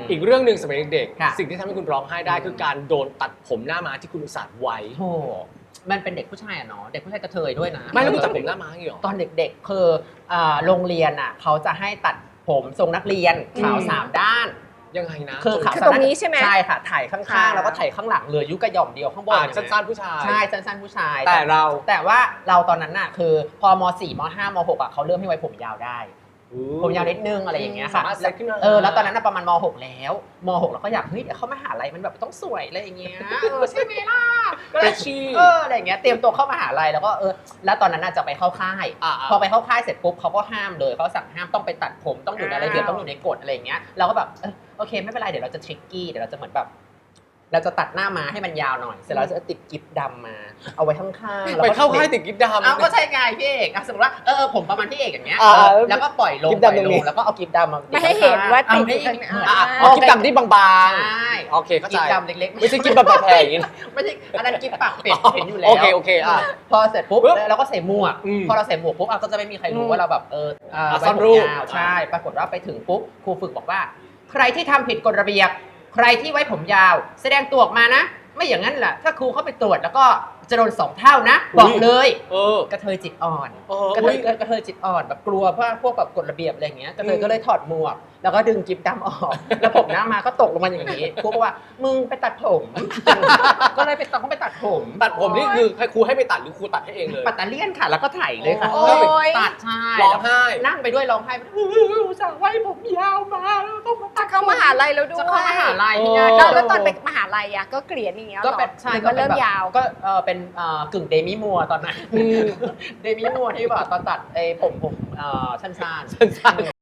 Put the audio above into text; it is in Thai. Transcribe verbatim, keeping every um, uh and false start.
อีกเรื่องหนึ่งสมัยเด็กค่ะๆสิ่งที่ทำให้คุณร้องไห้ได้คือการโดนตัดผมหน้าม้าที่คุณอุตส่าห์ไว้โธ่มันเป็นเด็กผู้ชายอะเนาะเด็กผู้ชายกระเทยด้วยนะไม่แล้วคุณตัดผมหน้าม้าอย่างนี้หรอตอนเด็กๆคืออ่าโรงเรียนอ่ะเขาจะให้ตัดผมทรงนักเรียนขาวสามด้านยังไงนะคือขาวคือสามตรงด้านนี้ใช่ไหมใช่ค่ะถ่ายข้างค่ะๆแล้วก็ถ่ายข้างหลังเหลือยุกระหย่อมเดียวข้างบนอ่าสั้นๆผู้ชายใช่สั้นๆผู้ชายแต่เราแต่ว่าเราตอนนั้นน่ะคือพอม สี่ม ห้า ม หกอ่ะเขาเริ่มให้ไว้ผมยาวได้ ผมยาวนิดนึงอะไรอย่างเงี้ยค่ะสามารถเซ็ตขึ้นมาเออแล้วตอนนั้นน่ะประมาณม หก แล้วม หกเราก็อยากเฮ้ยเดี๋ยวเข้ามหาลัยมันแบบต้องสวยอะไรอย่างเงี้ยเออใช่ไหมล่ะก็เลย Freshy เอออะไรอย่างเงี้ยเตรียมตัวเข้ามหาลัยแล้วก็เออแล้วตอนนั้นน่ะจะไปเข้าค่ายอ่าๆพอไปเข้าค่ายเสร็จปุ๊บเขาก็ห้ามเลยเขาสั่งห้ามต้องไปตัดผมต้องอยู่ในระเบียบต้องอยู่ในกฎอะไรอย่างเงี้ยเราก็แบบเออโอเคไม่เป็นไรเดี๋ยวเราจะทริกกี้เดี๋ยวเราจะเหมือนแบบเราจะตัดหน้ามาให้มันยาวหน่อยเสร็จแล้วเราจะติดกิ๊บดำมา เอาไว้ข้างๆแล้วไปก็เข้าค่ายติดกิ๊บดำเอาก็ใช่ไงพี่เอกอ่ะสมมติว่าเออผมประมาณพี่เอกอย่างเงี้ยอ่าเออแล้วก็ปล่อยลงกิ๊บปล่อยดำตรงลนี้งแล้วก็เอากิ๊บดำมาไม่ให้เห็นว่าติดเออยู่ข้างในอ่ะอ๋อกิ๊บดำที่บางใช่ๆโอเคเข้าใจกิ๊บดำเล็กๆไม่ใช่กิ๊บแบบแพรอย่างนี้นะไม่ใช่อันนั้นกิ๊บปากเป็ดเห็นอยู่แล้วโอเคโอเคอ่ะพอเสร็จปุ๊บปึ๊บแล้วเราก็ใส่หมวกอืมพอเราใส่หมวกปุ๊บอ่ะก็จะไม่มีใครรู้อืมว่าเราแบบเอออ่าอ่ะไว้ซ่อนผมรูปยาวใช่ ปรากฏว่าไปถึงปุ๊บครูฝึกบอกว่า ใครที่ทำผิดกฎระเบียบ ใครที่ไว้ผมยาว แสดงตัวออกมานะ ไม่อย่างนั้นแหละถ้าครูเข้าไปตรวจแล้วก็จะโดนสองเท่านะ บอกเลยเออกระเทยจิตอ่อนเออกระเทยอุ๊ยกระเทยจิตอ่อนแบบกลัวเพราะพวกแบบกฎระเบียบอะไรอย่างเงี้ยกระเทยอืมก็เลยถอดหมวก แล้วก็ดึงกิ๊บดำออก แล้วผมหน้ามาก็ตกลงมาอย่างนี้ครูก็ว่ามึงไปตัดผม ก็เลยไปต้องไปตัดผมตัดผมนี่คือให้ครูให้ไปตัดหรือครูตัดให้เองเลยปัตตาเลียนค่ะ แล้วก็ไถเลยค่ะโอ้โอ้ยตัดใช่ร้องไห้นั่งไปด้วยร้องไห้อุตส่าห์ไว้ผมยาวมาแล้วต้องมาตัจะดเข้ามหาลัยแล้วด้วยจะเข้ามหาลัยโอ้เนี่ยแล้วแล้วตอนไปมหาลัยอ่ะก็เกลียดอย่างเงี้ยก็หรอเป็นใช่หรือก็เริ่มป็นแบบยาวก็เออเป็นเอ่อกึ่งเดมิมัวตอนนั้นอืมเดมิมัวที่แบบตอนตัดไอ้ผมผมเอ่อสั้นๆสั้นๆ